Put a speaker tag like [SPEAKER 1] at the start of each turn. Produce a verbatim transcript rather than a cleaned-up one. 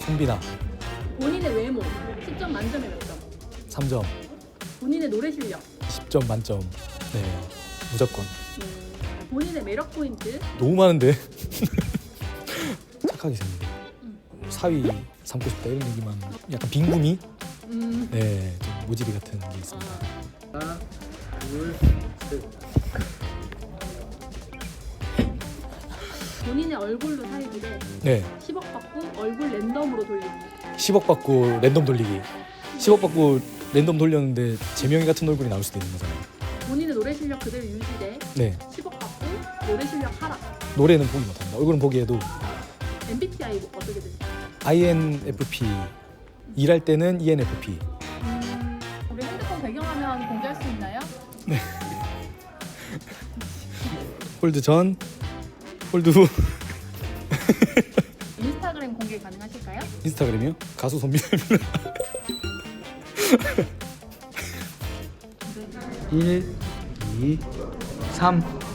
[SPEAKER 1] 송비나.
[SPEAKER 2] 본인의 외모 십 점 만점에 몇 점?
[SPEAKER 1] 삼 점.
[SPEAKER 2] 본인의 노래 실력,
[SPEAKER 1] 십 점 만점. 네, 무조건.
[SPEAKER 2] 음, 본인의 매력 포인트,
[SPEAKER 1] 너무 많은데. 착하게 생긴.
[SPEAKER 2] 음.
[SPEAKER 1] 사위 삼고 싶다 이런 얘기만. 약간 빈구미.
[SPEAKER 2] 음,
[SPEAKER 1] 네, 좀 모지리 같은 게 있습니다.
[SPEAKER 2] 아,
[SPEAKER 3] 하나, 둘, 셋.
[SPEAKER 2] 본인의 얼굴로 살기 대
[SPEAKER 1] 네,
[SPEAKER 2] 십억 받고 얼굴 랜덤으로 돌리기.
[SPEAKER 1] 십억 받고 랜덤 돌리기. 십억 받고 랜덤 돌렸는데 재명이 같은 얼굴이 나올 수도 있는 거잖아요.
[SPEAKER 2] 본인의 노래 실력 그대로 유지 대
[SPEAKER 1] 네,
[SPEAKER 2] 십억 받고 노래 실력 하락.
[SPEAKER 1] 노래는 포기 못합니다. 얼굴은 포기해도
[SPEAKER 2] 엠비티아이 어떻게 되세요?
[SPEAKER 1] 아이엔에프피. 일할 때는 이엔에프피.
[SPEAKER 2] 음, 우리 핸드폰 배경화면 공개할 수 있나요?
[SPEAKER 1] 홀드 전, 홀드 후.
[SPEAKER 2] 인스타그램 공개 가능하실까요?
[SPEAKER 1] 인스타그램이요? 가수 손비나입니다.
[SPEAKER 3] 일, 이, 삼.